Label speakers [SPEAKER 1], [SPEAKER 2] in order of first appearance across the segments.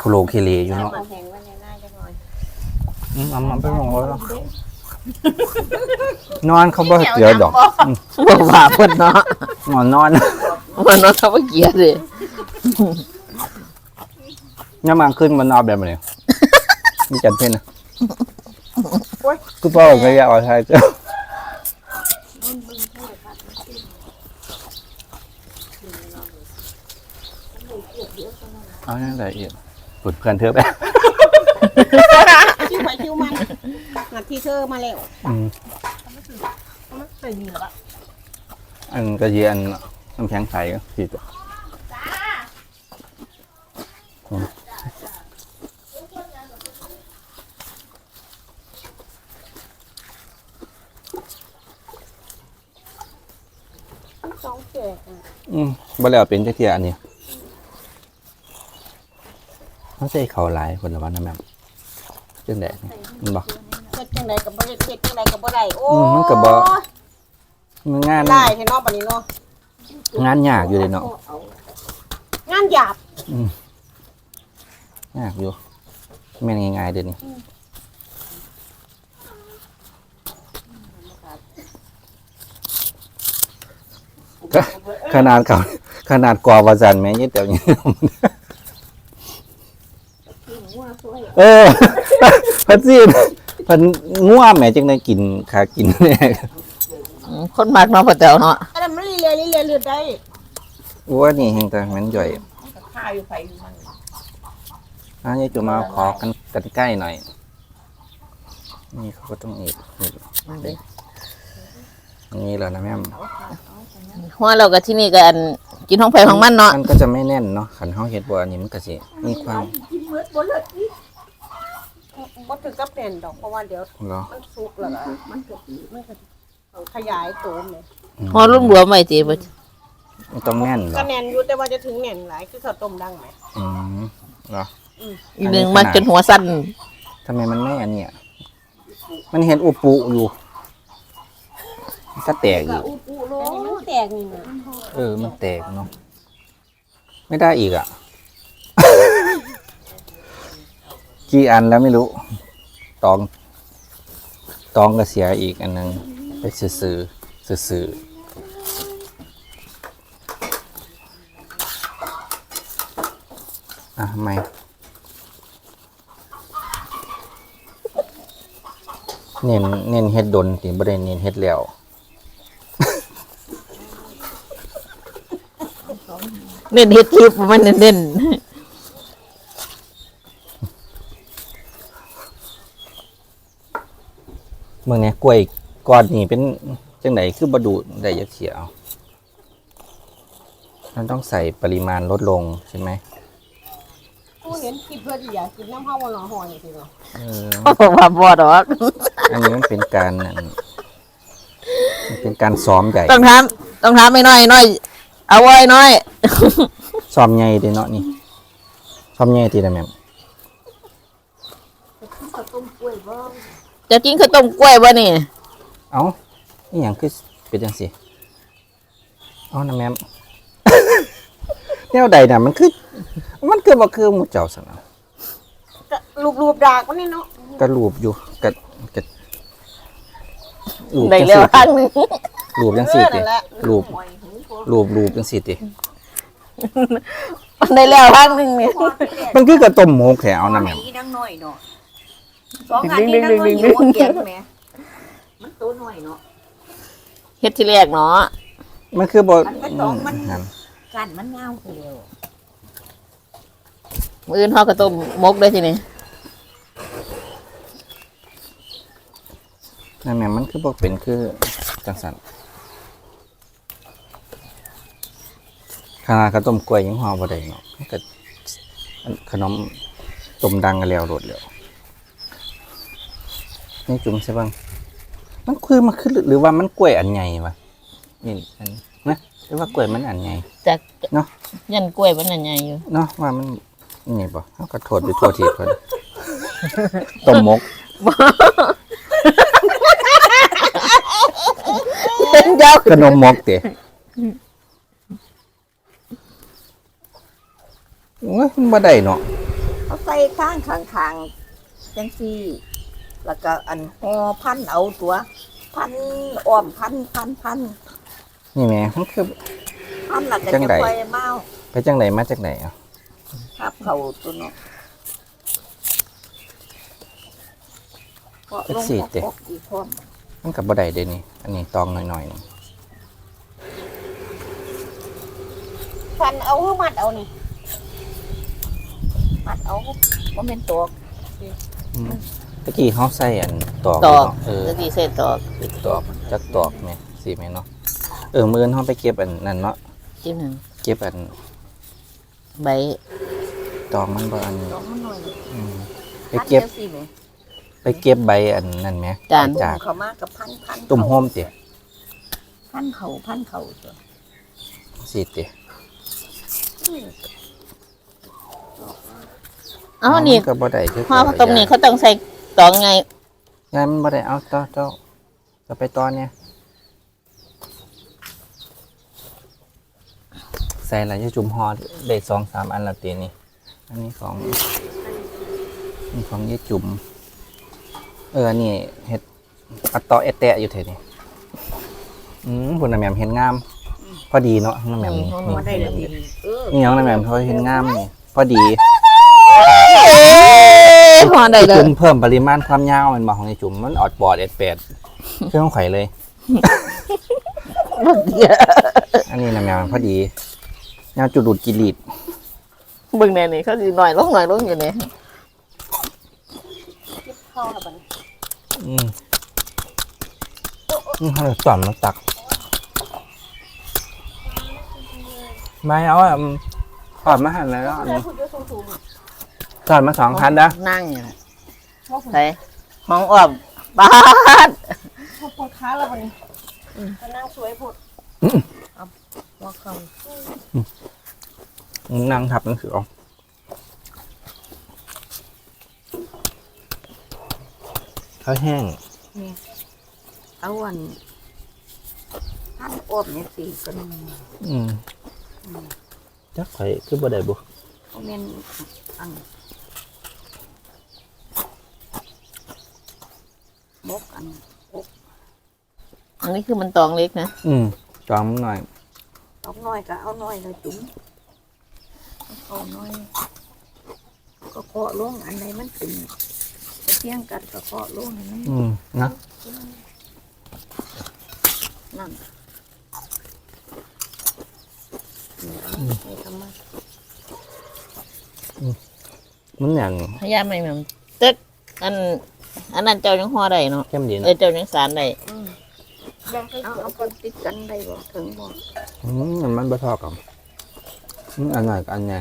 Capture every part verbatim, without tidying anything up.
[SPEAKER 1] ทุโรเคเลอยู่เนาะอืมเอามาไปมองแล้วนอนเขาบ่เกลียดดอก
[SPEAKER 2] บ่ว่าเพิ่นเนาะ
[SPEAKER 1] นอนนอน
[SPEAKER 2] มันเนาะเขาบ่เกลียดเลย
[SPEAKER 1] ย่ามาขึ้นมันนอนแบบนี้มีจันเพ่นนะคือพ่อก็อยากเอาใช้เจ้าเอาอย่างไรอีกปลุดเพื่อนเธอไป
[SPEAKER 3] คิวไปคิวมันนัดที่เธอมาแล้ว
[SPEAKER 1] อืม
[SPEAKER 3] มันใส่เหนือละ
[SPEAKER 1] อันกระเยียนน้ำแข็งใสก็ผิด
[SPEAKER 3] สองแจกอ่ะ
[SPEAKER 1] อืมบ่แล้วเป็นจักเที่ยอันนี้เขาใส่ข้าวหลายคนละวันนะแม่จังได๋มันบ่
[SPEAKER 3] เฮ็ดจังไดก็บ่ได้เฮ็ดจังไดก็บ่ได้โอ้
[SPEAKER 1] อืมมันก็บ่มันงาน
[SPEAKER 3] ได้ให้น้องบัดนี้เนาะ
[SPEAKER 1] งานยากอยู่เลยเนาะ
[SPEAKER 3] งานหยาบ
[SPEAKER 1] อืมยากอยู่แม่นง่ายๆเดี๋ยวนี้ก็ขนาดเขาขนาดกว่าวาจันแม่ยี่เดี๋ยวนี้เออพัดซีพันง่วแม่จังได้กินขากินเนี่ย
[SPEAKER 2] คนมักเนาะพ่อแต๋วเนาะ
[SPEAKER 3] อันนั้นมันเลียเลียเลือดได้
[SPEAKER 1] ว่านี่เฮงแต่มันย่อย
[SPEAKER 3] ข้าอยู่ไฟอยู่มัน
[SPEAKER 1] อันนี้จะมาขอกันกันใกล้หน่อยนี่เขาก็ต้องอีกนี่นี่แหละนะแม่
[SPEAKER 2] หัวเราก็ที่นี่ก็อันกินของไผของมันเนาะ
[SPEAKER 1] มันก็จะไม่แน่นเนาะขันเฮาเฮ็ดบัวอันนี้มันก็สิมีความ
[SPEAKER 3] กินเมือดบ่เลิศนี่บ่ถึงกับแน่นดอกเพราะว่าเดี๋ยว
[SPEAKER 1] เหรอ
[SPEAKER 3] มันสุกแล้วก็มันก็มันก็ขยายตัวแม่
[SPEAKER 2] หัวรวมๆไว้ติบ่
[SPEAKER 1] มันต้องแน่นเหร
[SPEAKER 3] ก็
[SPEAKER 1] อ
[SPEAKER 3] แน่นอยู่แต่ว่าจะถึงแน่นหลายคือข้าวต้มดังไหม
[SPEAKER 1] อืมเหรอ
[SPEAKER 2] อีหนึงมันจนหัวสั้น
[SPEAKER 1] ทำไมมันไม่อันเนี้ยมันเห็นอุปุอยู่มันก็แตกอีก
[SPEAKER 3] อูปูโลมันแตกนี่นะ
[SPEAKER 1] เออมันแตกเนาะไม่ได้อีกอ่ะ กี่อันแล้วไม่รู้ตองตองก็เสียอีกอันนึงไปซื้อซื้อซื้อซื้ออ่ะทำไมเน้นเน้นเฮ็ดดนติบ่ได้เน้นเฮ็ดแล้ว
[SPEAKER 2] เน้นเฮ็ดคลิปมันเน้น
[SPEAKER 1] เมื่อนี้กล้วยก้อนนี่เป็นจังไดคือบดูได้ยักเขียวมันต้องใส่ปริมาณลดลงใช่ไหม
[SPEAKER 3] กูเห็นคิดเพื่อที่อยากกินน้ำข้าววันละห่อนี่สิเนาะ
[SPEAKER 1] เออ
[SPEAKER 2] ๆเพราะว่าบ่ดอก
[SPEAKER 1] อันนี้มันเป็นการนั่นมันเป็นการซ้อมใหญ่
[SPEAKER 2] ต้องถามต้องถามไอ้น้อยน้อยเอาไว้น้อย
[SPEAKER 1] ซ้อมใหญ่เด้เนาะนี่ซ้อมใหญ่ทีละแม่ม
[SPEAKER 3] ข้าวต้มกล้วยบ้าง
[SPEAKER 2] จะกินข้าวต้มกล้วยบ่นี่
[SPEAKER 1] เอ้านี่หยังคือเป็นจังซี่เอ้านะแม่ม แนวใดน่ะมันคือมันคือบ่คือหมู่เจ้าซั่นน่ะ
[SPEAKER 3] รูปรูปดากมันนี่เนาะ
[SPEAKER 1] ก็รูปอยู่ก็ก็รูป
[SPEAKER 2] ได้
[SPEAKER 1] จัง
[SPEAKER 2] แล้ว
[SPEAKER 1] ซี่
[SPEAKER 2] ครั้
[SPEAKER 1] ติ
[SPEAKER 2] งหนึง
[SPEAKER 1] รูปจังซี่ติรูปรูปรูปจังซี่ติ
[SPEAKER 2] มันได้แล้วครั้งหนึงนี่
[SPEAKER 1] มันคือกระต้มหมกแถวนะแม่
[SPEAKER 4] อีนังน้อยเนาะสองอันนี้นังน้อยอยู่เกียงแม่มันตัวน้อยเนาะ
[SPEAKER 2] เฮ็ดที่แรกเนาะ
[SPEAKER 1] มันคือบ่
[SPEAKER 4] มันเป็นสองมัน
[SPEAKER 1] นั่น
[SPEAKER 4] กันมันเงาเร็ว
[SPEAKER 2] มื้ออื่นเฮาก็ต้มมกได้ทีนี้
[SPEAKER 1] นั่นแม่มันคือบ่เป็นคือจังซั่นขนาดข้าวต้มกล้วยยังห่อบ่ได้เนาะมันก็อันขนมต้มดังกันแล้วโลดแล้วนี่จุ่มใช่บ้างมันคือมันคือหรือว่ามันกล้วยอันใหญ่วะนี่อันนะหรือว่ากล้วยมันอันใหญ่
[SPEAKER 2] จาก
[SPEAKER 1] เนาะ
[SPEAKER 2] ยันกล้วยมันอันใหญ่อยู่
[SPEAKER 1] เนาะว่ามันนี่บ่เฮาก็โทษไปทั่วทีเพิ่น ต้มหมก
[SPEAKER 2] เจ้า
[SPEAKER 1] ขนมหมกเตะโอ้ยมันบ่ได้เนาะ
[SPEAKER 4] เขาใส่ข้างข้างๆจังซี่แล้วก็อันห่อพันเอาตัว พันอ้อมพันพันพัน
[SPEAKER 1] นี่แหม่มันคือ
[SPEAKER 4] พันแล้วก็
[SPEAKER 1] จั
[SPEAKER 4] จะ
[SPEAKER 1] งใด
[SPEAKER 4] ปล่อยเมา
[SPEAKER 1] ไปจังไดมาจากไหนอ่ะ
[SPEAKER 4] ทับเขาตัวเนาะเพราะลงปกอีกพร้อม
[SPEAKER 1] มันกับบ่ได้เด้นี่อันนี้ตองหน่อยๆนี่
[SPEAKER 3] ฟันเอาคือมัดเอานี่
[SPEAKER 4] มัดเอาบ่แม่นตัว
[SPEAKER 1] อืมตะกี้เฮาใส่อันตอก
[SPEAKER 2] ตอก
[SPEAKER 1] เนาะเออ
[SPEAKER 2] ตะกี้เส้นตอก
[SPEAKER 1] ติดตอกจักตอกแม่สิแม่เนาะเออมื้อนี้เฮาไปเก็บอันนั่นเนาะ
[SPEAKER 2] จิ้มหนึ่ง
[SPEAKER 1] เก็บอัน
[SPEAKER 2] ใบ
[SPEAKER 1] ตอกมันบ่อัน
[SPEAKER 4] ดอกมันหน่อย
[SPEAKER 1] อืมไป
[SPEAKER 4] พัน
[SPEAKER 1] เก็บ
[SPEAKER 4] จังซี่แหม
[SPEAKER 1] ไปเก็บใบอันนั่นแหม
[SPEAKER 2] จาน
[SPEAKER 1] ใบจาก
[SPEAKER 4] เขามากับพันพัน
[SPEAKER 1] ตุ่มโฮมติ
[SPEAKER 4] พันเขาพันเขาตัว
[SPEAKER 1] สิติ
[SPEAKER 2] เอ้านี่
[SPEAKER 1] มัก็บ่ได้คือ
[SPEAKER 2] ห่อตรงนี้เขาต้องใส่ตองไง
[SPEAKER 1] งานมันบ่ได้เอาต่อเจ้าจะไปต่อเนี่ยใส่ละอยู่จุ่มห่อได้สองสามอันละตีนี่อันนี้ของนี่ของยี่จุ่มเอออันนี่เฮ็ดอัตตอเอตแตะอยู่เท่นี่อืมพุ่นน่ะแหม่มเห็นงาม พอดีเนาะน้ำแหม่มนี่
[SPEAKER 4] หัวได้แล้วดีเออ
[SPEAKER 1] นี่น้องน้ำแหม่มเขาเห็นงามนี่พอดี
[SPEAKER 2] ห่อได้เลย
[SPEAKER 1] จุ่มเพิ่มปริมาณความยาวมันบอกของไอ้จุ่มมันออดบอดเอ็ดแปดเครื่องไข่เลย อันนี้น้ำแหม่มพอดียาวจุดดูดกิริด
[SPEAKER 2] เบิ่งแน่นี่เขาสิหน่อยลงหน่อยลงอยู่นี่
[SPEAKER 3] เก็บเข้าแล้วบัดนี้
[SPEAKER 1] อืมอืมเขาเลยสอนมาตักไม่เอาอ่ะอืมสอนมาหันแล้วอัน
[SPEAKER 3] เพื่อ
[SPEAKER 1] นี้
[SPEAKER 3] คุณจะสูงๆอ่ะ
[SPEAKER 1] สอนมาสองพันนะ
[SPEAKER 2] นั่งอยู่น่ะ
[SPEAKER 3] ว่าผม
[SPEAKER 2] ใส่ห้องอ้อมบ้าน
[SPEAKER 3] พอปวดขาแล้วบัดนี้ก็นั่งสวยพด
[SPEAKER 4] หัวเขา
[SPEAKER 1] นั่งทับหนังสือเอาข้าวแห้ง
[SPEAKER 4] เอาอันพันอ้อมเนี่ยสิก็นึง
[SPEAKER 1] อืมจักไข่คือบ่ได้บุ
[SPEAKER 4] บ่แม่นอันบกอัน
[SPEAKER 2] อันนี้คือมันตองเล็กนะ
[SPEAKER 1] อืมจอมหน่อย
[SPEAKER 4] เอาน้อยก็เอาน้อยเลยจุ๋มเอาน้อย ก็เคาะลงอันใดมันเป็นเที่ยงกันก็เคาะลงให้มัน
[SPEAKER 1] อืมนะ
[SPEAKER 4] นั่นให้ทำมา
[SPEAKER 1] มันอย่าง
[SPEAKER 2] พยายามไม่มันตึ๊ดอัน อันนั้นเจ้ายังห่อได้เนาะ
[SPEAKER 1] เข้มดี
[SPEAKER 2] เอ
[SPEAKER 1] นะ
[SPEAKER 2] อเจ้ายังสารได้
[SPEAKER 3] แบ่งให้
[SPEAKER 4] เอา
[SPEAKER 3] เสือ
[SPEAKER 4] เอาคนติดกันได้บ่ถึงบ่
[SPEAKER 1] อืมมันมันบ่ทอกันอืมอันหน่อยกับอันใหญ่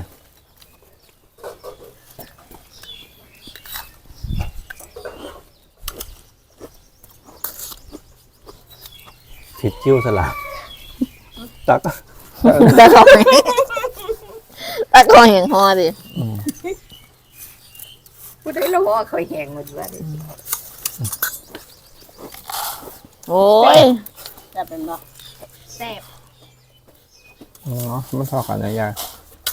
[SPEAKER 1] ผิดจิ้วสลับตัก
[SPEAKER 2] ตะกอนตะกอนเห็นห่อดิ
[SPEAKER 1] อืม
[SPEAKER 4] ผู้ใดละว่าเขาแหงหมดว่าดิ
[SPEAKER 2] โอ้ย
[SPEAKER 3] จะเป็นบ่แซ่บ
[SPEAKER 1] อ๋อมันทอกันนะยาย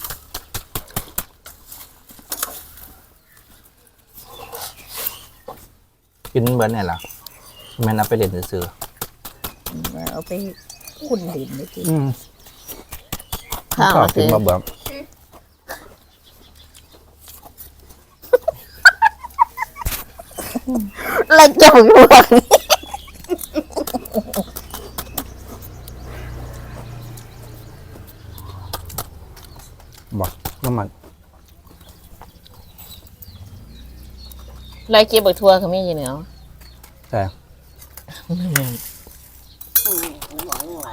[SPEAKER 1] กินเบิร์นไหนล่ะแม่นเอาไปเล่นซื้อ
[SPEAKER 4] เอาไปคุ้นดินได้ที
[SPEAKER 1] ๆอืม
[SPEAKER 2] ข้าว
[SPEAKER 1] ชอบ
[SPEAKER 2] มา
[SPEAKER 1] กิ
[SPEAKER 2] ซื้
[SPEAKER 1] น
[SPEAKER 2] อ
[SPEAKER 1] มาเบื่อ
[SPEAKER 2] แล้วเจ้าอยู่หลัง
[SPEAKER 1] บอกน้ำมัน
[SPEAKER 2] ไล่เก็บบักทั่วเขามีอยู่เหนียว
[SPEAKER 1] แต่
[SPEAKER 3] อืมหวานหวาน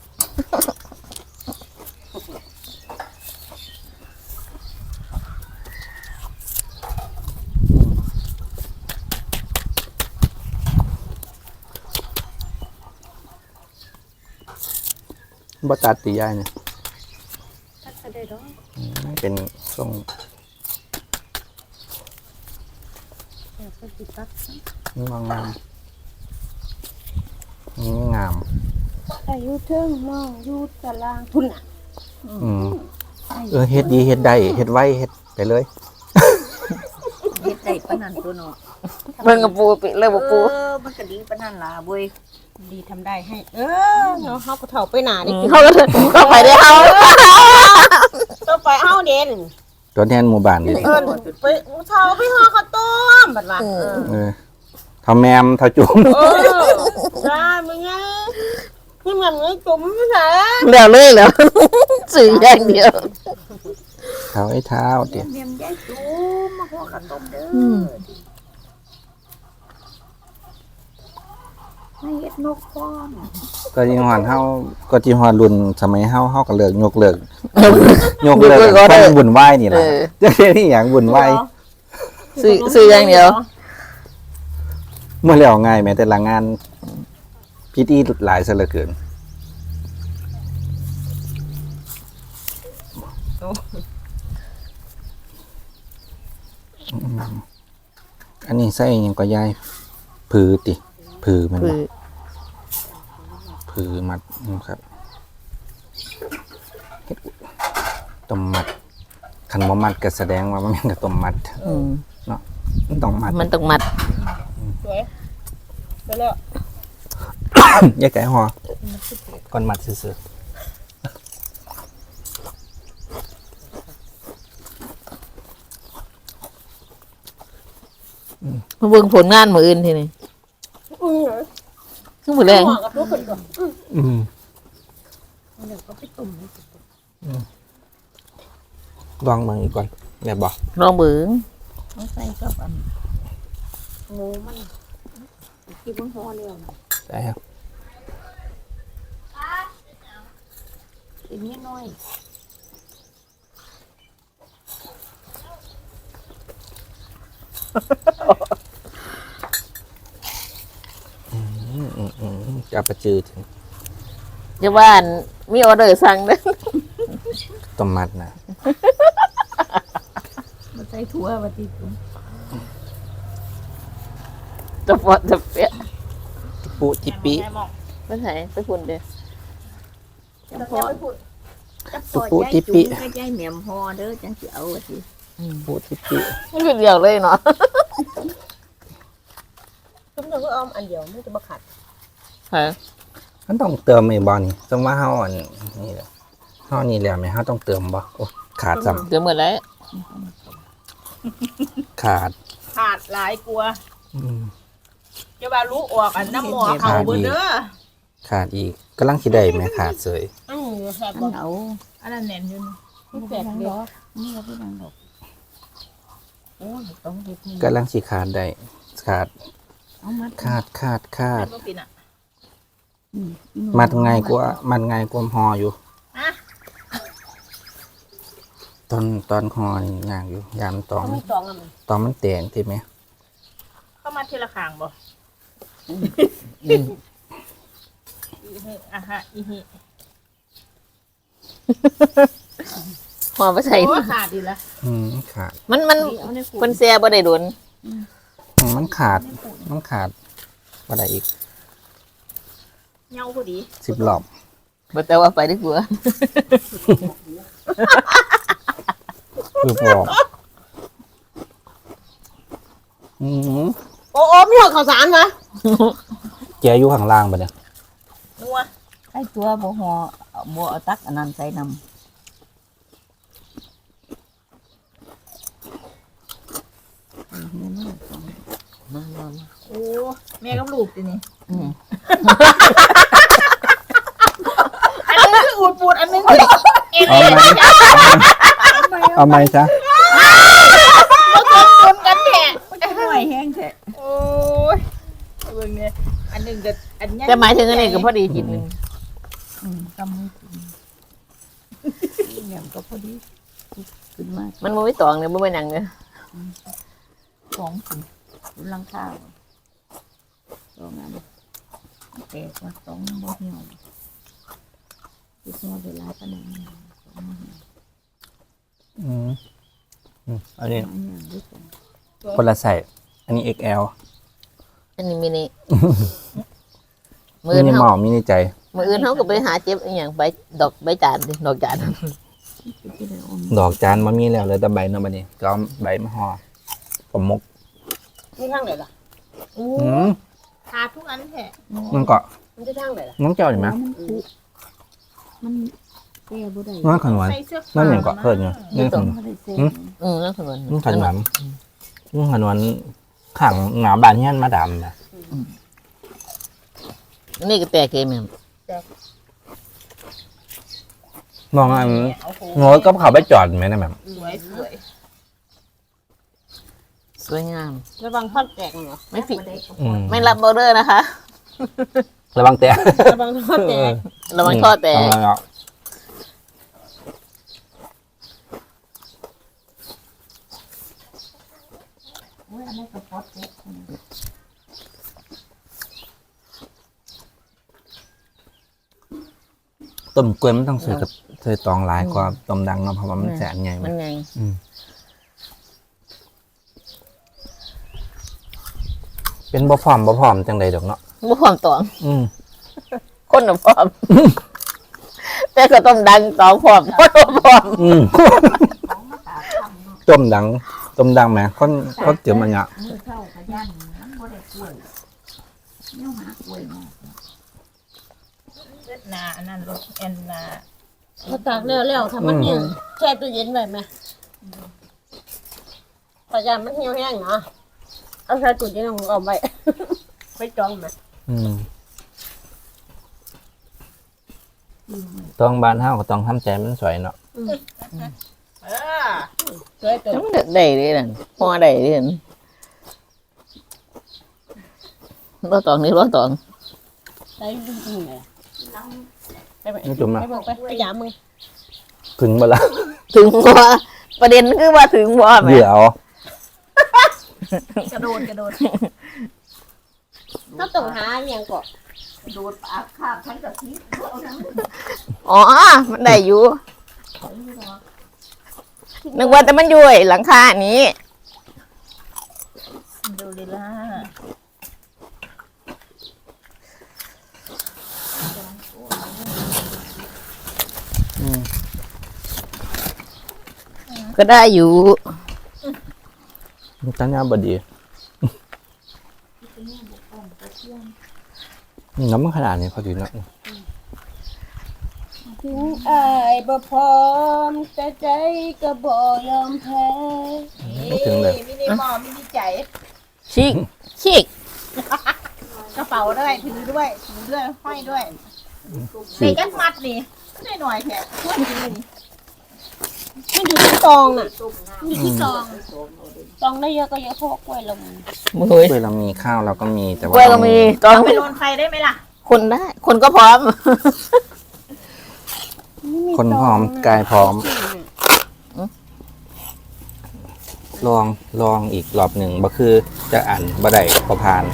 [SPEAKER 1] บตัดตียายเนี่ย
[SPEAKER 3] ถ้าจะได้ดอก
[SPEAKER 1] อืมเป็นทรง
[SPEAKER 3] อยากจะติดตัด
[SPEAKER 1] งามงามนี่งาม
[SPEAKER 3] แต่อยูเทิงมองอยูตารางทุนอ่ะ
[SPEAKER 1] อืมเออเฮ็ดดีเฮ็ดได้เฮ็ดไวเฮ็ดไปเลย
[SPEAKER 4] ปานนั้นตัวเนาะ
[SPEAKER 2] เบิ่งกับปูปิเลยบ่ปู
[SPEAKER 4] เออมันก็ดีปานนั้นล่ะเว้ย
[SPEAKER 3] ดีทำได้ให้ เออเนาะเฮาก็เฒ่าไปหนาดิ
[SPEAKER 2] เขาก็เขาไปได้เอา
[SPEAKER 3] ต้องไปเฮาเด่น
[SPEAKER 1] ตัวแทนหมู่บ้านดิ
[SPEAKER 3] เออไปเฒ่าไปห่อข้าวต้มบัดว่าเออ
[SPEAKER 1] เออเท่าแมมเท่าจุ่ม
[SPEAKER 3] เออได้มึงไงนี่มันมึงจุ่มไม่ใช่
[SPEAKER 2] แล้วเลยแล้วสื่ออย่างเดียว
[SPEAKER 1] เท้าไอ้เท้าเดี๋ยว
[SPEAKER 4] เมียมยายจูมาห่อข้าวต้มเด้อ
[SPEAKER 2] อืม
[SPEAKER 4] ให้เฮ็ดนกพร้อม
[SPEAKER 1] ก็จีฮอดเฮาก็จีฮอดรุ่นสมัยเฮาเฮาก็เลิกยกเลิกยกเลิกความบุญไหว้นี่ล่ะจะเรียกที่หยังบุญไหว้
[SPEAKER 2] สื่อสื่ออย่างเดียว
[SPEAKER 1] เมื่อแล้วง่ายแม้แต่ละงานพิธีหลายซะเหลือเกินอันนี้ใส่หยังก็ยายผือติผือมัน
[SPEAKER 2] คื
[SPEAKER 1] บ่
[SPEAKER 2] อ
[SPEAKER 1] ผือมัดนะครับเฮ็ดต้มมัดคันบ่มัดก็แสดงว่ามันแม่นกับต้มมัด
[SPEAKER 2] อืม
[SPEAKER 1] เนาะมันต้องมัด
[SPEAKER 2] มันต้องมัด
[SPEAKER 3] สวยไปแล้ว
[SPEAKER 1] แยกไก่หอก่อนมัดซื่อ
[SPEAKER 2] มาเบิ่งผลงานมื้ออื่นทีนี่
[SPEAKER 3] อือ
[SPEAKER 2] คือมื้อแรง
[SPEAKER 3] ห่อกับลูกคนก่อน
[SPEAKER 1] ๆอืม
[SPEAKER 3] เดี๋ยวก็ไปตุ่ม
[SPEAKER 1] ลองเบิ่งอีกก่อนแม่นบ่
[SPEAKER 2] ลองเบิ่ง
[SPEAKER 4] เอาใส่กับอันหมูมันที่เพิ่งห่อแล้วน่ะ
[SPEAKER 1] ได้ครับ
[SPEAKER 4] อีกนิดหน่อย
[SPEAKER 1] อืมๆจะประจือถึง
[SPEAKER 2] จะว่าอันมีออเดอร์สั่งเด้อ
[SPEAKER 1] ต้มมัดนะ
[SPEAKER 4] มาใส่ถั่วว่าติ
[SPEAKER 2] จะปอดจะเปีย
[SPEAKER 1] จิปุจิปิ
[SPEAKER 2] ไปไหนไปพุ่นเด้อ
[SPEAKER 4] จังพอจังพ
[SPEAKER 1] จิ
[SPEAKER 4] อ
[SPEAKER 1] ปุ
[SPEAKER 4] ยาย
[SPEAKER 1] จิ
[SPEAKER 4] จุ๋
[SPEAKER 1] ปิ
[SPEAKER 4] มก็ยายแหม่มห่อเด้อจังสิเอาว่าสิ
[SPEAKER 1] จิปุจิปิ
[SPEAKER 2] มันคือเดียวเลยเนาะ
[SPEAKER 3] จุ่มเธอก็เอาอันเดียวไม่จะมาขัด
[SPEAKER 2] ค่ะ
[SPEAKER 1] มันต้องเติมไอ้บ่นี่สมมุติว่าเฮาอันนี่แหละเฮานี่แล้วแม่เฮาต้องเติมบ่โอ้ขาดซ้ํ
[SPEAKER 2] เดี๋ยวหมดแล้ว
[SPEAKER 1] ขาด
[SPEAKER 3] ขาดหลายกลัว
[SPEAKER 1] อืม
[SPEAKER 3] จะว่ารู้ออกอันน้ำหมอเขาเบนเด้อ
[SPEAKER 1] ขาดอีกกำลังสิได้แม่ขาดเสย
[SPEAKER 3] อือแซ่บ
[SPEAKER 4] อั
[SPEAKER 3] บ่
[SPEAKER 4] นเอา
[SPEAKER 3] อันนั้นแน่นอยู่
[SPEAKER 4] นี่แปลกเด้อนี่ก็พี่นางดอกโอ้ยต้องเฮ็ดนี่
[SPEAKER 1] กำลังสิขาดได้ขาด
[SPEAKER 4] เอามัด
[SPEAKER 1] ขาดขาดขาด
[SPEAKER 3] ก็ปินอ่ะ
[SPEAKER 4] อืม
[SPEAKER 1] มัดง่ายกว่ามัดง่ายกว่าห่ออยู่
[SPEAKER 3] ฮะ
[SPEAKER 1] ตอนตอนห่อนี่ยากอยู่ยามนตอง
[SPEAKER 3] เขาไม่ตองอ่ะมัน
[SPEAKER 1] ตอนมันแตงติแม่
[SPEAKER 3] เข้ามาทีละข้างบ่
[SPEAKER 2] อืม
[SPEAKER 3] อีหิอ่ะฮะอีหิ
[SPEAKER 2] พอไปใส่
[SPEAKER 3] โอ้ขาดอีกแล้ว
[SPEAKER 1] อืมขาด
[SPEAKER 2] มันมัน
[SPEAKER 4] เอาในขวด
[SPEAKER 2] เพิ่นแซ่บ่ได้โดน
[SPEAKER 1] อืมมันขาด มันขาดบ่ได้อีก
[SPEAKER 3] เงาพอดี
[SPEAKER 1] สิบรอบ
[SPEAKER 2] บ่แต่ว่าไปดีกว่า
[SPEAKER 1] คือบอกอืม
[SPEAKER 3] โอ้โอ้มีหัวข้าวสารมะ
[SPEAKER 1] แกอยู่ข้างล่างปะเนี่ย
[SPEAKER 3] นัว
[SPEAKER 4] ใส่ตัวบ่ห่อบ่เอาตักอันนั้นใส่นำ
[SPEAKER 2] มามา
[SPEAKER 3] โอ้แม่กับลูกตินี่
[SPEAKER 2] อืม
[SPEAKER 3] อันนึงคืออูดปูดอันนึงคือเอ็น
[SPEAKER 1] เอาไหมเอาไหมจ๊ะ
[SPEAKER 3] ชนกันแท้
[SPEAKER 4] หน่อยแห้งแท้
[SPEAKER 3] โอ้ยเบิ่งเนี่ยอันหนึงก็อันใหญ่
[SPEAKER 2] แต่หมายถึงอันนี้ก็พอดีกินหนึง
[SPEAKER 4] อืมกำมือกินนี่แหม่มก็พอดีขึ้นมา
[SPEAKER 2] มันบ่มีตองเนี่ยบ่แม่นหยังเนี่ย
[SPEAKER 4] สองถุงถุงลังข้าวสองอันแตกว่าสองบ่เหี่ยวที่ซอเวลาปานนั้นสองบ่เหี่ยว
[SPEAKER 1] อืมอืมอันนี้
[SPEAKER 4] อันอย่างด้วยกัน
[SPEAKER 1] คนละใส่อันนี้ เอ็กซ์ แอล
[SPEAKER 2] อันนี้มินิ
[SPEAKER 1] มิ
[SPEAKER 2] มื้อ
[SPEAKER 1] นิ
[SPEAKER 2] เฮาม
[SPEAKER 1] อลมินิใจ
[SPEAKER 2] มื้ออื่นเฮาก็ไปหาเจ็บอีหยังใบดอกใบจานดิดอกจาน
[SPEAKER 4] ที่ได้อม
[SPEAKER 1] ดอกจานมันมีแล้วเลยแต่ใบเนาะบัดนี้ก็เอาใบมาห่อผมมก
[SPEAKER 3] นี่ทางไหนล่ะ
[SPEAKER 4] โอ้
[SPEAKER 1] อืม
[SPEAKER 3] หาทุกอันแท้
[SPEAKER 1] มันก็
[SPEAKER 3] มันจะทางไหนล่ะ
[SPEAKER 1] น้องเจ้าเห็นไหม
[SPEAKER 4] มันคุมันแก้บ่ได้
[SPEAKER 1] น้องขนวน
[SPEAKER 3] ใส่เสื้อ
[SPEAKER 1] นั่นอย่างเกาะเพิ่นอยู่
[SPEAKER 4] นี่
[SPEAKER 1] นี่
[SPEAKER 4] ต้
[SPEAKER 1] ข
[SPEAKER 4] อง
[SPEAKER 1] นวน
[SPEAKER 4] บ่ได้เซ็
[SPEAKER 1] อืม
[SPEAKER 2] อืมแล้วขนม
[SPEAKER 1] นี่ขนวนนี่ขนวนขังหนาบานเฮียนมาดำนะ
[SPEAKER 2] นี่ก็แตกเกมแม่
[SPEAKER 1] มองอัน
[SPEAKER 3] เอาโห
[SPEAKER 1] โง่ก็เขาไปจอดไหมนะแบบ
[SPEAKER 3] สวยสวย
[SPEAKER 2] สวยงาม
[SPEAKER 3] ระวังทอดแตกเหรอ
[SPEAKER 2] ไม่ผิด
[SPEAKER 1] อืม
[SPEAKER 2] ไม่รับออเดอร์นะคะ
[SPEAKER 1] ระวังแตะ
[SPEAKER 3] ระวังทอดแตก
[SPEAKER 2] ระวังทอดแตก
[SPEAKER 1] ระวังเอา
[SPEAKER 4] โอ้ยอันนี้ก็พอดเด็ก
[SPEAKER 1] ต้มกล้วยมันต้องใส่กับใส่ตองหลายกว่าต้มดังเนาะเพราะว่ามันแสนใหญ่
[SPEAKER 2] มันไง
[SPEAKER 1] อืมเป็นบ่พร้อมบ่พร้อมจังใดดอกเนาะ
[SPEAKER 2] บ่พร้อมตอง
[SPEAKER 1] อืม
[SPEAKER 2] คนน่ะพร้อม แต่ก็ต้องดังตองพร้อมคนบ่พร้อม
[SPEAKER 1] อืมต้มดังต้มดังแหมคนคนเตรียมอันเนี้ย
[SPEAKER 4] มือเข้าก็ย่านมันบ่ได้กล้วยแนวหากล้วยมา
[SPEAKER 3] เวียดนาอันนั้นรถแอนนาพอตากแล้วแล้วถ้ามันเหี่ยวแช่ตู้เย็นไว้ไหมพยายามมันเหี่ยวแห้งเนาะเอาใส่ตู้เย็นของเอาไว้ ไปจองไหม
[SPEAKER 1] อืมต้องบ้านเฮาก็ต้องทำใจมันสวยเนาะ
[SPEAKER 3] เออสวยตัว
[SPEAKER 2] มันได้เด้นั่นพอได้เด้นั่นบ่ตองนี่บ่ตอง
[SPEAKER 3] ใส่จริงๆเลยไปไป
[SPEAKER 1] นี่จุ่ม
[SPEAKER 3] ไป
[SPEAKER 1] อ่ะ
[SPEAKER 3] เบิ่งไปไปยามมึง
[SPEAKER 1] ถึงบ่ละ
[SPEAKER 2] ถึงบ่ประเด็นคือว่าถึงบ่แม่
[SPEAKER 1] เดี๋ยว
[SPEAKER 3] กระโดดกระโดดถ้าต้องหาอหย่างก่อน
[SPEAKER 4] โดดปากคาบทั้งกับพิษเอาทั้ง
[SPEAKER 2] อ๋อ มันได้อยู่ นึกว่าแต่มันอยู่ไอ้หลังคานี้
[SPEAKER 4] ดูดีล่ะ
[SPEAKER 1] อืม
[SPEAKER 2] ก็ได้อยู่
[SPEAKER 1] ตัญญาบดีน้ำมันขนาดนี้พอดีเนาะ
[SPEAKER 3] ถึงอายบ่พร้อมแต่ใจก็บ่ยอมแพ้
[SPEAKER 1] ไม่ถึงเลย
[SPEAKER 3] มินิมอลมินิใจ
[SPEAKER 2] ชิกชิก
[SPEAKER 3] กระเป๋าด้วยถือด้วยถือด้วยห้อยด้วยใส่กันมัดนี่ได้หน่อยแค่ช่วยกินเลยนี่มันอยู่ที่ซองน่ะมันอยู่ที่ซองซองได้เยอะก็เยอะเพราะว่ากล้วยเรามี
[SPEAKER 2] มือ
[SPEAKER 1] เวลามีข้าวเราก็มีแต่
[SPEAKER 2] ก
[SPEAKER 1] ว่า
[SPEAKER 2] ล้วยก็มีตอน
[SPEAKER 3] ไปโดนใครได้ไหมล่ะ
[SPEAKER 2] คนได้ คนก็พร้อม
[SPEAKER 1] คนพร้อมกายพร้อม ลองลองอีกรอบหนึ่งบ่คือจะอ่านบ่ได้พอผ่าน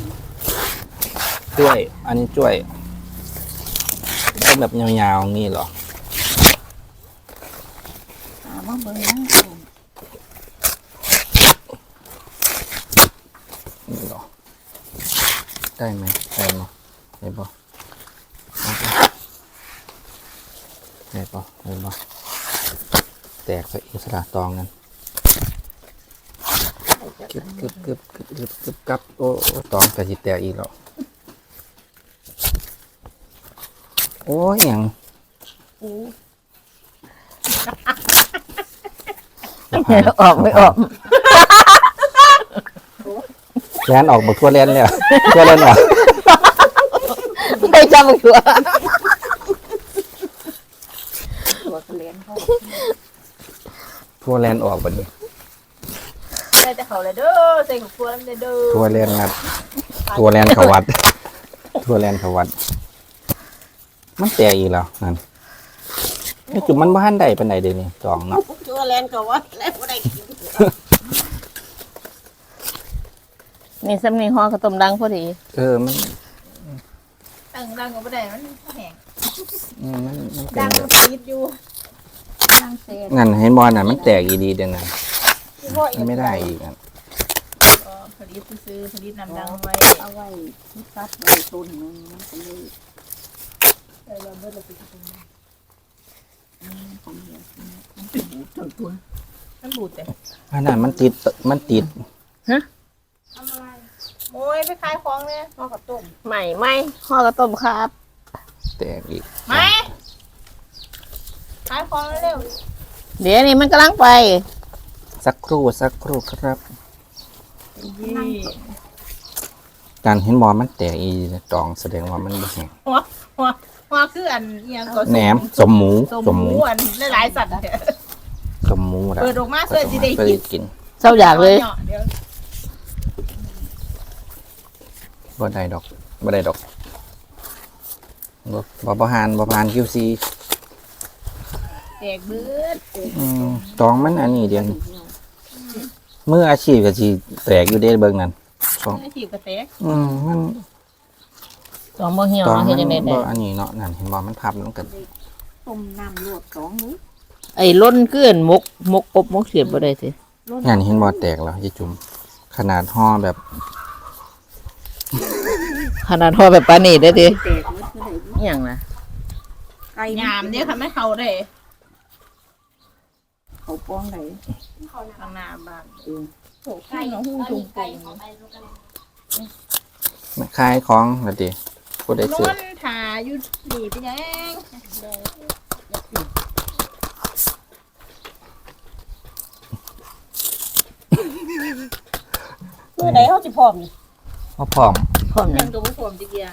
[SPEAKER 1] จ้วย อันนี้จ้วยต้องแบบยาวๆงี้เหรอ
[SPEAKER 4] ถามว่าเบิ่งนะ
[SPEAKER 1] นี่เหรอ ได้ไหมได้เนาะได้ปะได้ปะได้ปะแตกไปอิสระตองกันกึบกึบกึบกึบกึบกึบกับโอ้โอ้ตองกระจิแตกอีกแล้วโอ้ยอย่าง
[SPEAKER 2] ออกไม่ออก
[SPEAKER 1] แลนออกบักทั่วแลนเลยทั่วแลนออก
[SPEAKER 2] ไม่จำมันตัว
[SPEAKER 4] ตัวกระเลนเขา
[SPEAKER 1] ทั่วแลนออกบัดนี้
[SPEAKER 3] ได้แต่เขาเลยเด้อใส่ของครัวแล้วเด้อ
[SPEAKER 1] ทั่วแลนงัดทั่วแลนเขาวัด ทั่วแลนเขาวัด มันแตกอีกแล้วนั่นไอ้จุ่มมันบ้านใดเป็นใดเดี๋ยวนี้จองเนาะ
[SPEAKER 3] ชัวแลนก็ว่าแล้วบ่ได้กิน
[SPEAKER 2] นี่สำนีห่อกระต้มดังพอดี
[SPEAKER 1] เออมัน
[SPEAKER 3] ตั้งดังก็บ่ได้มันแห้ง
[SPEAKER 1] อืมมันมันเป็
[SPEAKER 3] ดั
[SPEAKER 1] น
[SPEAKER 3] ง
[SPEAKER 1] แบ
[SPEAKER 3] มั
[SPEAKER 1] บ
[SPEAKER 3] นติดอยู่
[SPEAKER 4] ตั้งเศษ
[SPEAKER 1] งั้นให้บอลน่ะมันแตกอีดีเดี๋ยวนั้น
[SPEAKER 3] ที่พ่ออี
[SPEAKER 1] มัน
[SPEAKER 3] ก
[SPEAKER 1] ไม่ได้อีกอ่ะ
[SPEAKER 3] ก็ผลิตซื้อผลิตน้ำดังไว้
[SPEAKER 4] เอาไว้ที่ซัดไว้ต้นหนึงมันก็เลย
[SPEAKER 3] เออเราเบิดเราไปกิน
[SPEAKER 4] ของเหลือมันเป็นบูดทั้งตัว
[SPEAKER 3] มันบูดแต่
[SPEAKER 1] อันนั้นมันติดมันติด
[SPEAKER 2] ฮะ
[SPEAKER 3] ทำอะไรโอ้ยไปขายของเลยพ่อกับต้ม
[SPEAKER 2] ใหม่ไหมห่อกระต้มครับ
[SPEAKER 1] แตกอีก
[SPEAKER 3] ไหมขายของเร็ว
[SPEAKER 2] เดี๋ยวนี้มันกำลังไป
[SPEAKER 1] สักครู่สักครู่ครับ
[SPEAKER 3] ยี่
[SPEAKER 1] การเห็นบอมันแตกอีตองแสดงว่ามันบ่แห้ง
[SPEAKER 3] หัวหัวหัวคืออันเอียงก็
[SPEAKER 1] แหนมสมหมู
[SPEAKER 3] สม
[SPEAKER 1] สม
[SPEAKER 3] ห
[SPEAKER 1] ห
[SPEAKER 3] มู
[SPEAKER 1] มู
[SPEAKER 3] อันหลายๆสัตว์เนี่ย
[SPEAKER 1] สมหมูละ
[SPEAKER 3] เปิดออกมาเพื่อจะได้
[SPEAKER 1] เพื่อ
[SPEAKER 3] กิน
[SPEAKER 1] จะกิน
[SPEAKER 2] เศร้าอยากเลย
[SPEAKER 3] เดี๋ยว
[SPEAKER 1] บ่ได้ดอกบ่ได้ดอกบ่บ่บ่หานบ่ผ่าน คิว ซี
[SPEAKER 3] แตกเบิด
[SPEAKER 1] อืมตองมันอันนี้เดียวนี่มืออาชีพก็สิแตกอยู่เด้เบิ่งนั่นตอง
[SPEAKER 3] ไม่ถีบกระแตก
[SPEAKER 1] อืมมัน
[SPEAKER 2] สองโมเหี่ยว
[SPEAKER 1] ตอง
[SPEAKER 2] เฮ็
[SPEAKER 1] มั
[SPEAKER 2] ด
[SPEAKER 1] น
[SPEAKER 2] จังได๋
[SPEAKER 1] บ่
[SPEAKER 2] ได้
[SPEAKER 1] อันนี้เนาะนั่นเห็นบ่มันพับมันก็
[SPEAKER 4] ต้มน้ำลวกสองมื้อ
[SPEAKER 2] ไอ้ล้นเกลื่อนมกมกอบมกเสียบบ่ได้สิ
[SPEAKER 1] นั่นเห็นบ่แตกแล้วยายจุ่มขนาดห่อแบบ
[SPEAKER 2] ขนาดห่อแบบปานนี้ได้ดิ
[SPEAKER 4] แตกมื้อเท่าไหร่
[SPEAKER 2] อหย่างน่ะ
[SPEAKER 4] ไก่
[SPEAKER 3] ยามเนี่ยค่ะไม่เข้าได้
[SPEAKER 4] เขาป้องไหน
[SPEAKER 3] ข้างหน้าบ้าน
[SPEAKER 4] เออ
[SPEAKER 3] โอ้ไก่น้องหูจุงไก่
[SPEAKER 1] ขายของละติผู้ใด
[SPEAKER 3] น
[SPEAKER 1] ซื้อ
[SPEAKER 3] วลถาอยู่หนีไปยังเมื่อไหนเขาจะพร้อมนี่
[SPEAKER 1] บ่พร้อม
[SPEAKER 2] พร้อม
[SPEAKER 3] ยั
[SPEAKER 2] ยัง
[SPEAKER 3] งตัวไม่พร้อมจะกี่อย่าง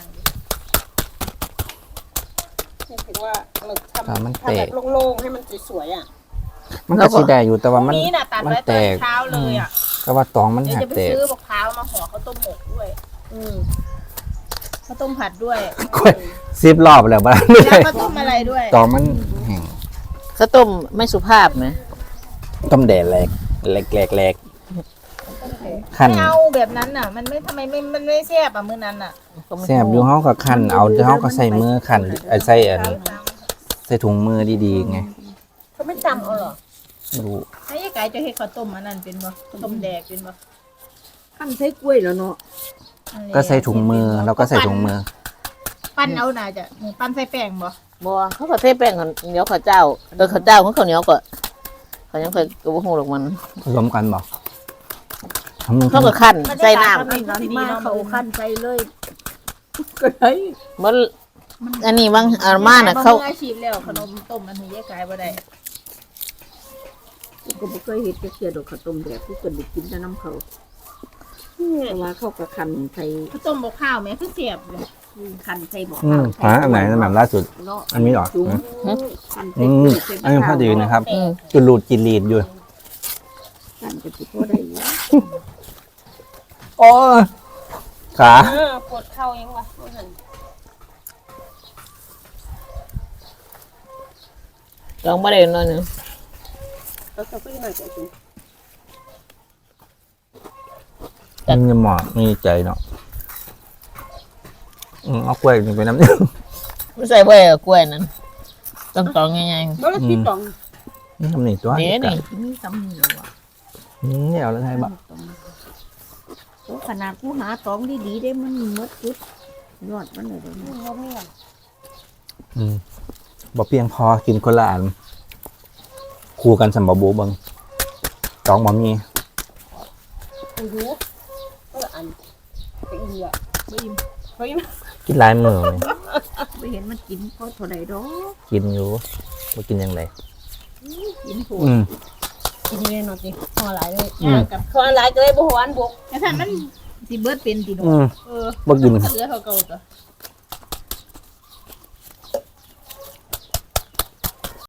[SPEAKER 3] ถึงว่าเราทำ
[SPEAKER 1] ถ้ามัน
[SPEAKER 3] ทำ
[SPEAKER 1] แต
[SPEAKER 3] แบ
[SPEAKER 1] ก
[SPEAKER 3] บโล่งๆให้มันสวยๆอ่ะ
[SPEAKER 1] มันก็สิได้อยู่แต่ว่ามัน
[SPEAKER 3] นี้น่ะตัด
[SPEAKER 1] มัน
[SPEAKER 3] ไว้ต
[SPEAKER 1] แต
[SPEAKER 3] อน
[SPEAKER 1] ก
[SPEAKER 3] เช้าเลยอ่ะ
[SPEAKER 1] แต่ว่าตองมัน
[SPEAKER 3] เดี๋ยว
[SPEAKER 1] หัก
[SPEAKER 3] จะไป
[SPEAKER 1] แตก
[SPEAKER 3] ซื้อมะพร้าวมาห่อข้าวต้มหมกด้วย อืมข้าวต้มผัดด้วย
[SPEAKER 1] กล้วยสิบรอบแล้วบ่ได้
[SPEAKER 3] แล้วข้าวต้มอะไรด้วย
[SPEAKER 1] ตองมันแห้ง
[SPEAKER 2] ข้าวต้มไม่สุภาพนะ
[SPEAKER 1] ต้มแดดแหลกแหลกแหลกแหลกคั่น
[SPEAKER 3] ไม่เอาแบบนั้นน่ะ มันไม่ทำไมไม่มันไม่แซ่บอ่ะมื้อนั้นน่ะ
[SPEAKER 1] แซ่บอยู่เฮาก็คั่นเอาเฮาก็ใส่มือคั่นไอ้ใส่อันใส่ถุงมือดีๆไง
[SPEAKER 3] เขาไม่จำเอาหรอ
[SPEAKER 1] รู้
[SPEAKER 3] ไอ้ยายไก่จะเฮ็ดข้าวต้มอันนั้นเป็นบ่ต้มแดกเป็นบ่
[SPEAKER 4] ขั้นใช้กล้วยแล้วเนาะ
[SPEAKER 3] อันนี้
[SPEAKER 1] ก็ใส่ถุงมือแล้วก็ใส่ถุงมือ
[SPEAKER 3] ปั้นเอาน่าจะปั้นใส่แป้งบ่
[SPEAKER 2] บ่เขาก็เทแป้งกันเหนียวข้าวเจ้าโดยข้าวเจ้าของข้าวเหนียวก็เขายังเคยก็บ่ฮู้หรอกมัน
[SPEAKER 1] ผสมกันบ่ทำนึง
[SPEAKER 2] เขาก็คั่นใส่น้
[SPEAKER 3] มันก็สิดี
[SPEAKER 4] มา
[SPEAKER 3] เนาะ
[SPEAKER 4] เขาขั้นใส่เลยก็ได้
[SPEAKER 2] ำมันอันนี้บางอันมาน่ะเขา
[SPEAKER 3] มืออาชีพแล้วขนมต้มอันนี้ยายไก่บ่ได้
[SPEAKER 4] กูก็บ่เคยเฮ็ดจักเทื่อดอกข้าวต้มแบบกูก็ได้กินแต่น้ำเขาเพราะว่าเขาก็คั่นใส่
[SPEAKER 3] ข้าวต้มบ่ข้าวแม่คือเสียบเลย
[SPEAKER 4] คั่นใส่บ่
[SPEAKER 1] อืมหาอันไหนนะแบบล่าสุด
[SPEAKER 4] เนาะ
[SPEAKER 1] อันนี้เหรอ
[SPEAKER 4] จุ๋ม
[SPEAKER 1] ฮะ
[SPEAKER 4] คั่น
[SPEAKER 1] อื
[SPEAKER 4] ใส่
[SPEAKER 1] ม
[SPEAKER 4] กล้วยใส่
[SPEAKER 1] อันนี้พอดีนะครับ
[SPEAKER 2] อืม
[SPEAKER 1] จุดหลุดจิลีดอยู่
[SPEAKER 4] คั่นก็สิพอได้อยู่
[SPEAKER 1] โอ้ยขา
[SPEAKER 3] เออปวดเข่ายังวะ
[SPEAKER 2] ลองบ่ได้หน่อยหนึง
[SPEAKER 3] แล้วก็ไปหน่อยจะกิน
[SPEAKER 1] มันมีหมอกมีใจเนาะอืมเอากล้วยนี่ไปน้ำหนึ่ง
[SPEAKER 2] ไม่ใส่ไว้กับกล้วยนั่นต้องตองง่าย
[SPEAKER 3] บ่ได้คิดตอง
[SPEAKER 1] นี่ทำหนีตัว
[SPEAKER 2] ๆเดี๋ยวนี่
[SPEAKER 4] มีซ้ำนี่แล้วอ่ะ
[SPEAKER 1] อืมนี่เอาแล้วไงบ่
[SPEAKER 4] โอ้ขนาดกูหาตองดีๆได้มันหมดจุดยอดมันเลยเดี๋ยวนี้
[SPEAKER 1] อืมบ่เพียงพอกินคนละอันคู่กันสำบบูเบิงตองบ่มี
[SPEAKER 3] โอ้โหก็อันเป็นเหี้ยบ่อิ่มบ่อิ่ม
[SPEAKER 1] กินหลายมือเลย
[SPEAKER 4] ไปเห็นมันกินเพราะเท่าไหร่ดอก
[SPEAKER 1] กินอยู่บ่กินยังไง
[SPEAKER 4] กินโผ
[SPEAKER 1] อืม
[SPEAKER 3] กินเลยเนาะสิห่อหลายเลย
[SPEAKER 1] อืม
[SPEAKER 3] กับห่อหลายก็เลยบ่หวานบกแต่ถ้ามันสิเบิดเป็นติโน
[SPEAKER 1] อืม
[SPEAKER 3] เออ
[SPEAKER 1] บ่กิน
[SPEAKER 3] เหลือเท่าเก่าตัว